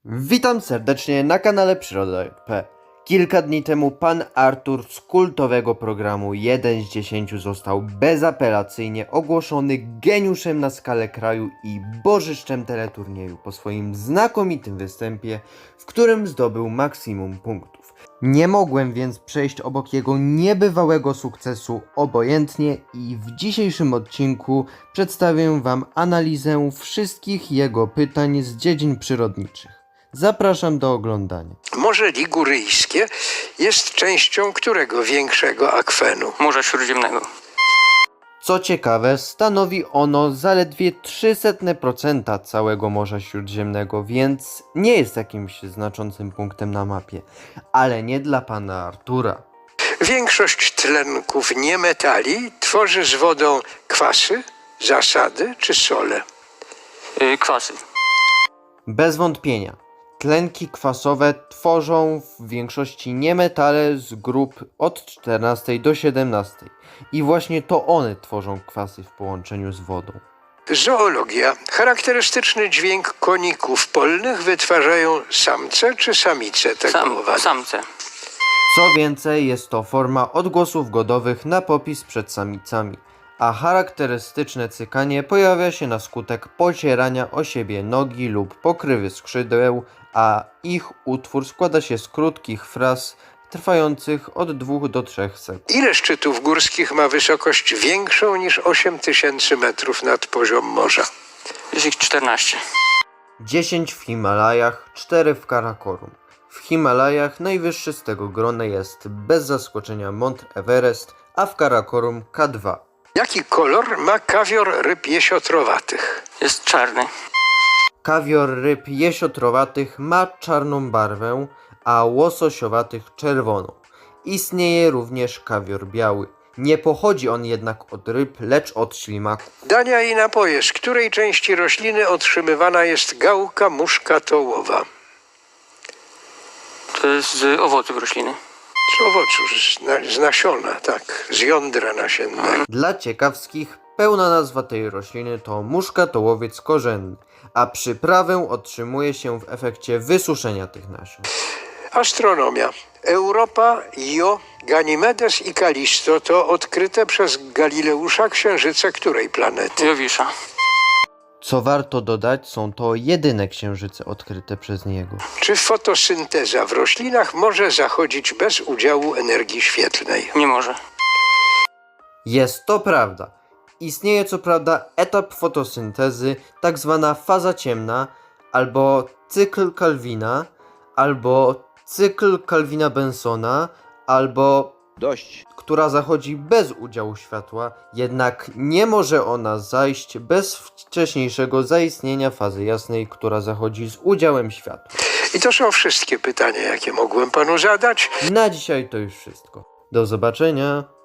Witam serdecznie na kanale Przyroda.pl. Kilka dni temu pan Artur z kultowego programu 1 z 10 został bezapelacyjnie ogłoszony geniuszem na skalę kraju i bożyszczem teleturnieju po swoim znakomitym występie, w którym zdobył maksimum punktów. Nie mogłem więc przejść obok jego niebywałego sukcesu obojętnie i w dzisiejszym odcinku przedstawię wam analizę wszystkich jego pytań z dziedzin przyrodniczych. Zapraszam do oglądania. Morze Liguryjskie jest częścią którego większego akwenu? Morza Śródziemnego. Co ciekawe, stanowi ono zaledwie 0,03% całego Morza Śródziemnego, więc nie jest jakimś znaczącym punktem na mapie. Ale nie dla pana Artura. Większość tlenków niemetali tworzy z wodą kwasy, zasady czy sole? Kwasy. Bez wątpienia. Tlenki kwasowe tworzą w większości niemetale z grup od 14 do 17 i właśnie to one tworzą kwasy w połączeniu z wodą. Zoologia. Charakterystyczny dźwięk koników polnych wytwarzają samce czy samice tego owadu? Samce. Co więcej, jest to forma odgłosów godowych na popis przed samicami, a charakterystyczne cykanie pojawia się na skutek pocierania o siebie nogi lub pokrywy skrzydeł, a ich utwór składa się z krótkich fraz trwających od 2 do 3 sekund. Ile szczytów górskich ma wysokość większą niż 8000 metrów nad poziom morza? Jest ich 14. 10 w Himalajach, 4 w Karakorum. W Himalajach najwyższy z tego grona jest bez zaskoczenia Mont Everest, a w Karakorum K2. Jaki kolor ma kawior ryb jesiotrowatych? Jest czarny. Kawior ryb jesiotrowatych ma czarną barwę, a łososiowatych czerwoną. Istnieje również kawior biały. Nie pochodzi on jednak od ryb, lecz od ślimaków. Dania i napoje. Z której części rośliny otrzymywana jest gałka muszkatołowa? To jest z owoców rośliny. Z owocu, z nasiona, tak, z jądra nasiennego. Dla ciekawskich, pełna nazwa tej rośliny to muszkatołowiec korzenny, a przyprawę otrzymuje się w efekcie wysuszenia tych nasion. Astronomia. Europa, Io, Ganimedes i Kalisto to odkryte przez Galileusza księżyce której planety? Jowisza. Co warto dodać, są to jedyne księżyce odkryte przez niego. Czy fotosynteza w roślinach może zachodzić bez udziału energii świetlnej? Nie może. Jest to prawda. Istnieje co prawda etap fotosyntezy, tak zwana faza ciemna, albo cykl Kelvina, albo cykl Kelvina-Bensona, albo która zachodzi bez udziału światła, jednak nie może ona zajść bez wcześniejszego zaistnienia fazy jasnej, która zachodzi z udziałem światła. I to są wszystkie pytania, jakie mogłem panu zadać. Na dzisiaj to już wszystko. Do zobaczenia.